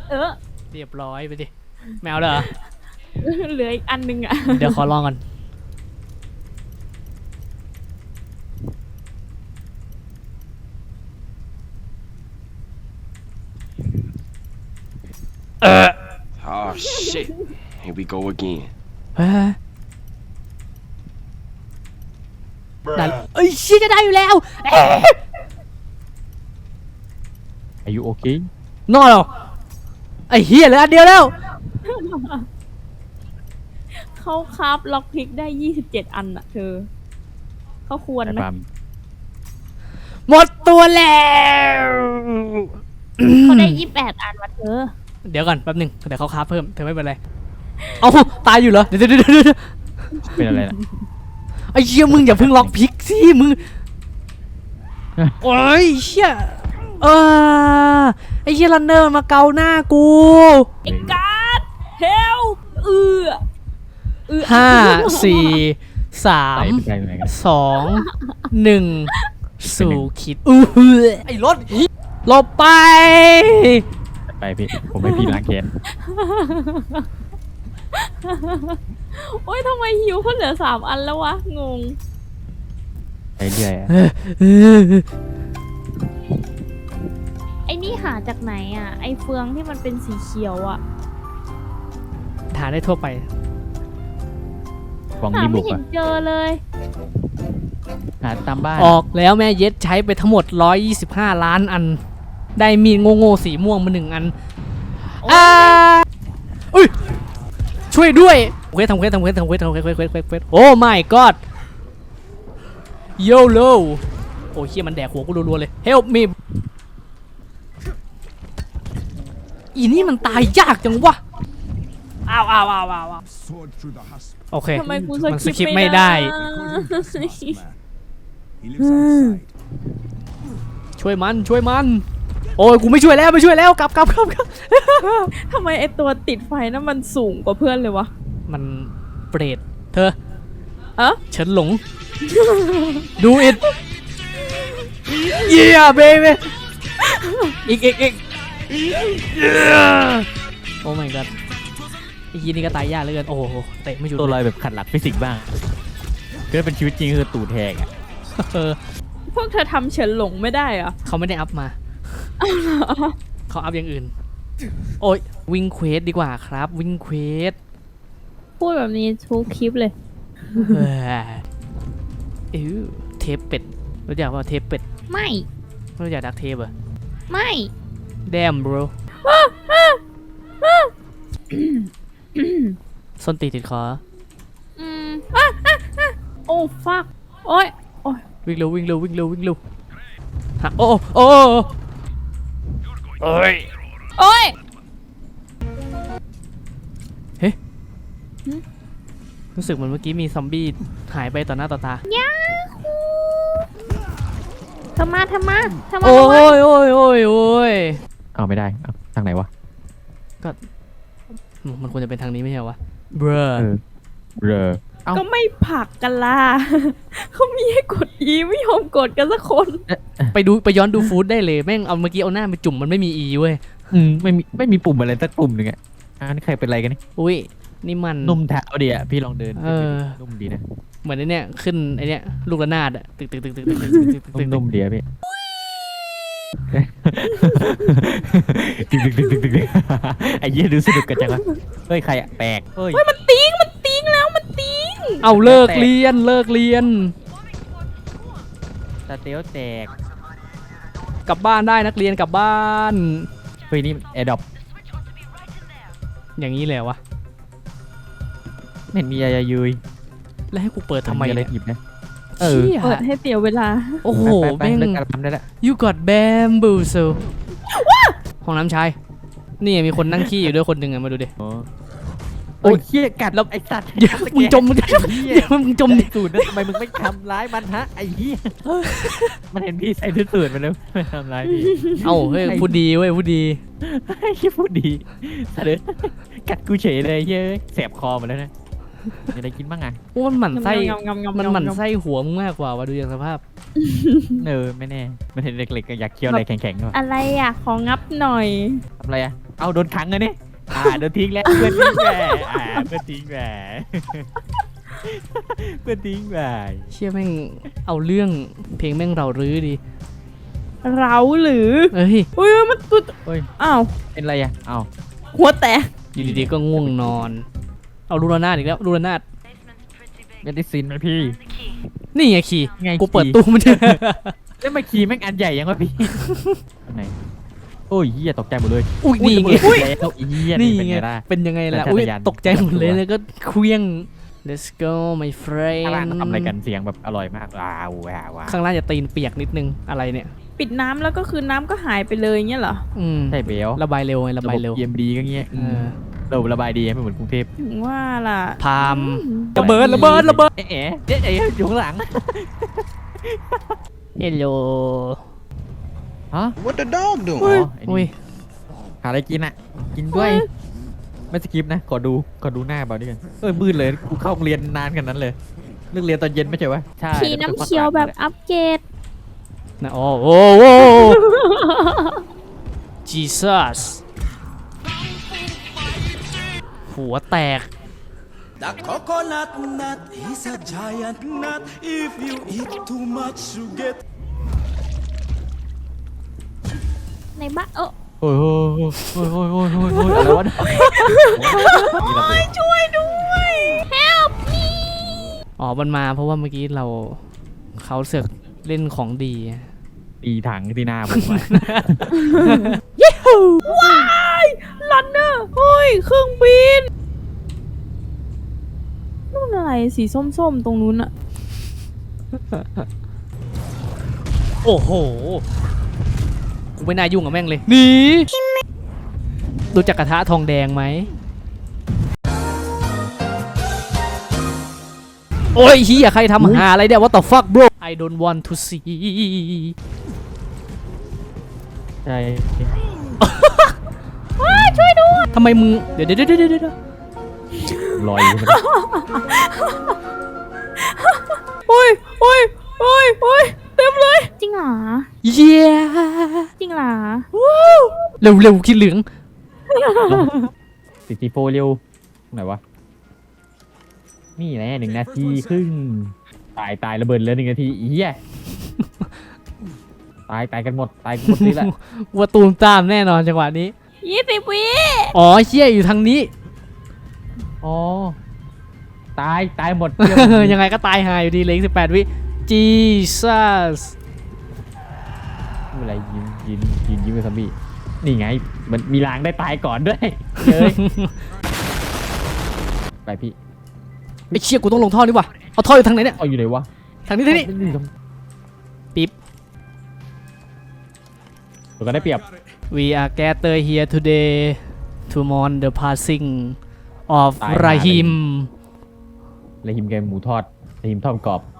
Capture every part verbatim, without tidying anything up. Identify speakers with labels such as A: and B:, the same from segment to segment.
A: เออ
B: เรียบร้อยไปดิแมวเหรอ
A: เหลืออีกอันนึงอ่ะ
B: เดี๋ยวขอลองก่อนเออ
C: Oh shit. Here we go again.
B: เฮ้ยได้เอ้ยเชี่ยจะได้อยู่แล้ว
D: อายุโอเคน
B: อนเหรอไอ้เฮียเหลืออันเดียวแล้ว
A: เขาคราฟล็อกพิกได้ยี่สิบเจ็ดอันอ่ะเธอเขาควร
D: แต่
A: ไหม
D: ความ
B: หมดตัวแล้ว
A: เขาได้ยี่สิบแปดอันวะเธอ
B: เดี๋ยวก่อนแป๊บหนึงเดี๋ยวเขาค้าเพิ่มเธอไม่เป็นไรเอาตายอยู่เหรอเดี๋ยวเดี๋ยวเดี๋ยว
D: เป็นอะไรล่ะ
B: ไอ้เชี่ยมึงอย่าเพิ่งล็อกพิกสิมึงโอ้ยเชี่ยเออไอ้เชี่ยรันเนอร์มาเกาหน้ากู
A: ไอ้การ์ดเฮลเออเออ
B: ห้าสี่สา
D: ไป
B: ม
D: ไปไหนกัน
B: สองหนึ่งสู่คิดอื้อไอ้รถหลบไป
D: ไปพี่ผมให้พี่ล้างแค้น
A: โอ๊ยทำไมฮิวเขาเหลือสามอันแล้ววะงง
D: ไปเรื่อยอะ
A: ไอ้นี่หาจากไหนอ่ะไอ้เฟืองที่มันเป็นสีเขียวอ่ะ
B: หาได้ทั่วไป
D: กล่อง
A: หา
D: ดีบุ
A: ไม่
D: ก
A: เห็
D: อะ
A: นเจอเลย
D: หาตามบ้าน
B: ออกแล้วแม่เย็ดใช้ไปทั้งหมดหนึ่งร้อยยี่สิบห้าล้านอัน ได้มีดโง่ๆสีม่วงมาหนึ่งอันอ่าอุ้ยช่วยด้วยเควสทำเควสทำเควสทำเควสทำเควสเควสเควสเควสเควสโอ้ my god โยโลโอ้เฮียมันแดกหัวกูรัวๆเลย help me อีนี่มันตายยากจังวะอ้าวอ้าวอ้าวอ้าว
E: Sword through the husk.
B: โอเค
A: ทำไมกู
B: มัน
A: ส
B: ส
A: คิ
B: คิ
A: ป
B: ป
A: ไม่
B: ไม่
A: ได้
B: ได้
E: They call him Taskmaster. He lives outside.
B: ช่วยมันช่วยมันโอ้ยกูไม่ช่วยแล้วไม่ช่วยแล้วกลับกลับกลับกลับ
A: ทำไมไอ้ตัวติดไฟนั้นมันสูงกว่าเพื่อนเลยวะ
B: มันเปรตเธอ
A: เอะ
B: ฉันหลง ดูอิดเยี่ยเบย์อีกอีกอีกโอ้ my god ไอ้ยีนี่ก็ตายยากเหลือเกินโอ้โหเตะไม่หยุด
D: ตัวลอยแบบขัดหลักฟิสิกส์บ้างก็เป็นชีวิตจริงคือตูดแทกอะ
B: เออ
A: พวกเธอทำเฉินหลงไม่ได้เหรอ
B: เขาไม่ได้อัพมาเขาอัพอย่างอื่น โอ้ยวิ่งเควสดีกว่าครับวิ่งเควส
A: พูดแบบนี้ทุกคลิปเลย
B: เออเออเทปเป็ดรู้จักว่าเทปเป็ด
A: ไม่
B: ไม่รู้จักดักเทปเหรอ
A: ไม่
B: damn bro ส้นตีนติดคอ
A: อืมอ่ะอ่ะอ่ะโอ้ฟักโอ้ยโอ้ย
B: วิ่งเร็ววิ่งเร็ววิ่งเร็ววิ่งเร็วฮะโอ้โอ้โอ้ย
A: โอ้ย
B: รู้สึกเหมือนเมื่อกี้มีซอมบี้หายไปต่อหน้าต่อตา
A: ยาฮูทำมาทำมาทำมา
B: โอ้
A: ทำมาย
B: โอ้ยโอ้ยโอ้ย
D: เอาไม่ได้เอาทางไหนวะ
B: มันควรจะเป็นทางนี้ไม่ใช่เหรอวะเบรอ
D: เออเรอเอ้า
A: ก็ไม่ผลักกันล่ะ เขามีให้กด E ไม่ยอมกดกันสักคน
B: ไปดูไปย้อนดูฟู้ดได้เลยแม่งเอาเมื่อกี้เอาหน้าไปจุ่มมันไม่มีอีเว้ย
D: อืมไม่มีไม่มีปุ่มอะไรสักปุ่มหนึ่งอะอันนี้ใครเป็นอะไรกันนี่
B: อุ้ยนี่มัน
D: นุ่มเท้าดีอะพี่ลองเดิน
B: เออ
D: นุ่มดีนะ
B: เหมือนไอเนี้ยขึ้นไอเนี้ยลูกระนาดอะตึกตึกตึกตึกตึกตึกตึกตึกตึก
D: นุ่มๆดีอะพี่ตึกตึกตึกตึกตึกตึกไอ้เหี้ยดูสนุกกันจังวะเฮ้ยใครอะแปลกเฮ้ย
A: มันติ้งมันติ้งแล้วมันติ้ง
B: เอาเลิกเรียนเลิกเรียน
D: สเตลแตก
B: กลับบ้านได้นักเรียนกลับบ้าน
D: เฮ้ยนี่แอร์ดรอป
B: อย่างนี้เลยเหรอวะ
D: ไม่เห็นมีอะไรยุย
B: แล้วให้กูเปิดทำไม
D: อะไร
B: เนี่ย
D: หยิบนะเออ
B: เชี่ย
A: เปิดให้เสียเวลา
B: โอ้โห
D: ไป
B: แม่ง
D: ๆๆเลิกการทำได้แล้ว
B: you got bamboozle ห้องน้ำชายนี่มีคนนั่งขี้อยู่ด้วยคนหนึ่งอะมาดูดิ
D: โอ้โอ้ยเหี้ยกัดแล้วไอ้สัตว์
B: เดี๋ยวมึงจมมึง
D: ไอ้เหี้ย
B: เดี๋ยวมึงจมดิ
D: สูตรนะทำไมมึงไม่ทำร้ายมันฮะไอ้เหี้ยมันเห็นพี่ใส่ชุดสูตรมาแล้วไม่ทำร้ายพี่
B: เอ้าเฮ้ยพูดดีเว้ยพูดดี
D: ไอ้เหี้ยพูดดีสะเด็ดกัดกูเฉยเลยเฮ้ยแสบคอหมดแล้วนะมีอะไรกินบ้างอ่ะ
B: โอ้มันหมั่นไส้
A: งำงำงำงำ
B: มันหมั่นไส้หัวมึงมากกว่าวะดูอย่างสภาพ
D: เออไม่แน่มันเห็นเด็กๆก็อยากเคี้ยวอะไรแข็งๆก็
A: อะไรอ่ะ ของงับหน่อย
D: ทำอะไรอ่ะเอาโดนขังเลยนี่อ่าโดนทิ้งแล้วเพื่อนทิ้งแหวอ่าเพื่อนทิ้งแหวเพื่อนทิ้งแหว
B: เชี่ยแม่งเอาเรื่องเพลงแม่งเรารื้อดี
A: เราหรือ
B: เอ้ย
A: อุ้ยมันตุด
D: เฮ้ย
A: อ้าว
D: เป็นไรอ่ะเอา
A: หัวแตก
B: อยู่ดีๆก็ง่วงนอน เอาลูระนาดอีกแล้วลูระนาด
D: เมดิซินไหมพี่
B: นี่ไงคีย์
D: ไง
B: กูเปิด
D: คีย์
B: ตู้มัน
D: แล้วมาคีย์แม่งอันใหญ่ยังวะพี่อันไหนโอ้ยเหี้ยตกใจหมดเลย
B: อุ้ยนี่ไง
D: อุ้ยแล้วไอ้เหี้ย
B: นี่
D: นี่เป็น
B: ไง
D: ไงล่ะ
B: เป็นยังไงล่ะ
D: สัญชาต
B: อุ้ย
D: ญาณ
B: ตกใจหมดเลยแล้วก็เคลี้ยง let's go my
D: ข้างล่าง
B: friend
D: ทำอะไรกันเสียงแบบอร่อยมากว้าวว้าวว้าว
B: ข้างล่างจะตีนเปียกนิดนึงอะไรเนี่ย
A: ปิดน้ำแล้วก็คือน้ำก็หายไปเลยเงี้ยเหรอ
B: อืม
D: ใช่เบล
B: ระบายเร็วไงระบายเร็ว
D: เอ็มดีก็เงี้ย
B: เออ
D: เราระบายดีไม่เหมือนกรุงเทพ
A: ถึงว่าล่ะ
B: พามระเบิดระเบิดระเบิด
D: เอ๊ะเอ๊ะเอ๊ะเอ๊ะอยู่ข้างหลัง
B: เฮลโล
D: ฮะ
C: What the dog
D: อ๋
C: doing?
D: อไอ้
B: อุ้ย
D: นี่หาอะไรกินอ่ะ กินด้วยไม่สกิปนะขอดูขอดูหน้าเบาด้วยกันเอ้ยมืดเลยกูเข้าโรงเรียนนานขนาดนั้นเลยเลิกเรียนตอนเย็นไม่ใช่วะใช่
A: ขี่น้ำเขียวแบบอัปเกรด
B: นะโอ้โอ้โอ้ Jesus หัวแตก
F: The coconut nut is a giant nut. If you eat too much, you get
A: ในบ้านเออ
D: โอ้ยโอ้ยโอ้ยโอ้ยโอ้ยโอ้ยโอ้ยอะไรวะ
A: ช่วยด้วย help me
B: อ๋อ มันมาเพราะว่าเมื่อกี้เราเขาเสือกเล่นของดี
D: ตีถังที่หน้าผมอะ
B: ยิฮู
A: ว้ายลันเนอร์เฮ้ยเครื่องบินนู่นอะไรสีส้มๆตรงนู้นอะ
B: โอ้โห กูไม่น่ายุ่งกับแม่งเลยหนีรู้จักกระทะทองแดงไหม โอ้ยเฮียใครทำหาอะไรเนี่ย What the fuck bro I don't want to see
D: ใช่
A: ช่วยด้วย
B: ทำไมมึง เดี๋ยวเดี๋ยวเดี๋ยวเดี๋ยวเดี๋ยว
D: ลอยอยู่ใช่ไหม
A: โอ้ยโอ้ยโอ้ยโอ้ยเต็มเลยจริงเหรอ
B: เย้
A: จริงเหรอ
B: เร็วเร็วคิดเหลือง
D: สิบสี่โฟเร็วไหนวะนี่แหละหนึ่งนาทีครึ่งตายตายระเบิดเลยหนึ่งนาทีอีเหี้ยตายตายกันหมดตายกันหมดนี่แหละ
B: ว่าตูมตามแน่นอนจังหวะนี้
A: ยี่สิบวิ
B: อ๋อเชี่ยอยู่ทางนี้
D: อ๋อตายตายหมด
B: ยังไงก็ตายหายอยู่ดีเหลยสิบแปดวิ Jesus
D: ไม่เป็นไรยินยินยินยิ้มเป็นซอมบี้นี่ไงมันมีรางได้ตายก่อนด้วยเฮ้ยไปพี่
B: ไอ้เชี่ยกูต้องลงท่อดีกว่าเอาท่ออยู่ทางไหนเนี่ย
D: เอาอยู่ไหนวะ
B: ทางนี้ทางนี้ ปิ๊บ
D: เราก็ได้เปรียบ
B: We are gathered here today to mourn the passing of
D: ตายหา
B: Rahim
D: เลยหิมแกงหมูทอดเลยหิมทอดกรอบ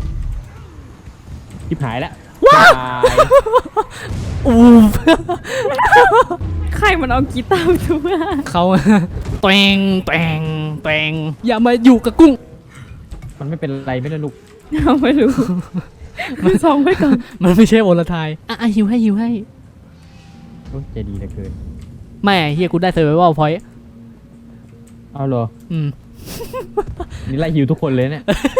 D: ทิพหายแล้ว
B: ว้าว
D: ตาย
B: อูม
A: ใครมันเอากีตาร์ทุกอย่าง
B: เขา แตงแตงแตงอย่ามาอยู่กับกุ้ง
D: มันไม่เป็นไรไม่ได้ลูก
A: เอาไม่รู้มันซองไว้ก่อน
B: มันไม่ใช่โอลทายอ่ะอ่ะหิวให้หิวให้
D: โอ้ยใจดีเหลือเกิน
B: แม่เฮียกูได้เซอร์ไววัลพอยต์
D: เอาเหรอ
B: อืม
D: นี่ไล่ฮิวทุกคนเลยเนี่ย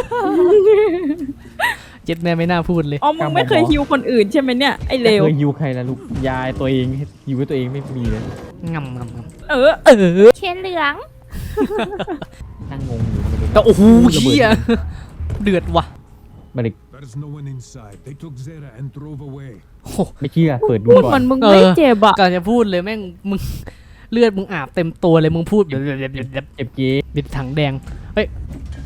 B: เจ็ดแม่ไม่น่าพูดเลย
A: อ๋อมึงไม่เคยฮิวคนอื่นใช่ไหมเนี่ยไอเลว
D: เคยฮิวใครล่ะลูกยายตัวเองฮิวให้ตัวเองไม่มีเลย
B: งำงำง
A: เออ
B: ำเออ
A: เชนเหลือง
D: นั่งงงอยู่ไม่รู้
B: แต่โอ้โหเฮียเดือดว่ะ
D: ไม่ได้
E: There's no one inside. They took Zera and drove away.
B: โอ้โห
D: ไม่เชื่อเปิดดู
A: พูด
D: ก่
A: เห
D: อ
A: มือน นมึงไม่เจ็บอ่ะ
B: ก่อนจะพูดเลยแม่งมึงเลือดมึงอาบเต็มตัวเลยมึงพูดแบบแบบแบบแบบ
D: เจ็บเกี้
B: บิดถังแดงเฮ้ย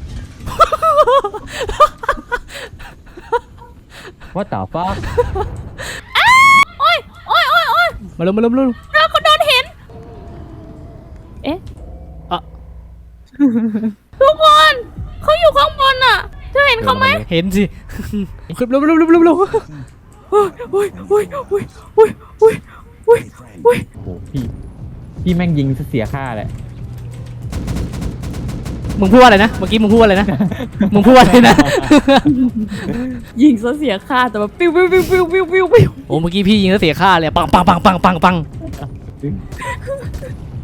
D: ว่าต่อฟ้า
A: โอ้ยโอ้ยโอ้ยโอ้ย
B: มาเร็วมาเร็วมาเร็ว
A: เราก็โดนเห็น เอ๊ะ
B: อ่ะ
A: ทุกคนเขาอยู่ข้างบนอ่ะเธอเห็นเขาไหม
B: เห็นสิขึ้นเร็วเร็วเร็วเร็วเร็ว
A: โอ้ยโอ้ยโอ้ยโอ้ยโอ้ยโอ้ยโอ้ยโอ้ย
D: โอ้โหพี่พี่แม่งยิงซะเสียค่าแหละ
B: มึงพูดว่าอะไรนะเมื่อกี้มึงพูดว่าอะไรนะมึงพูดว่าอะไรนะ
A: ยิงซะเสียค่าแต่ว่าปิ้วปิ้วปิ้วปิ้วปิ้วปิ้วปิ้ว
B: โอ้เมื่อกี้พี่ยิงแล้วเสียค่าเลยปังปังปังปังปังปัง
D: ดึง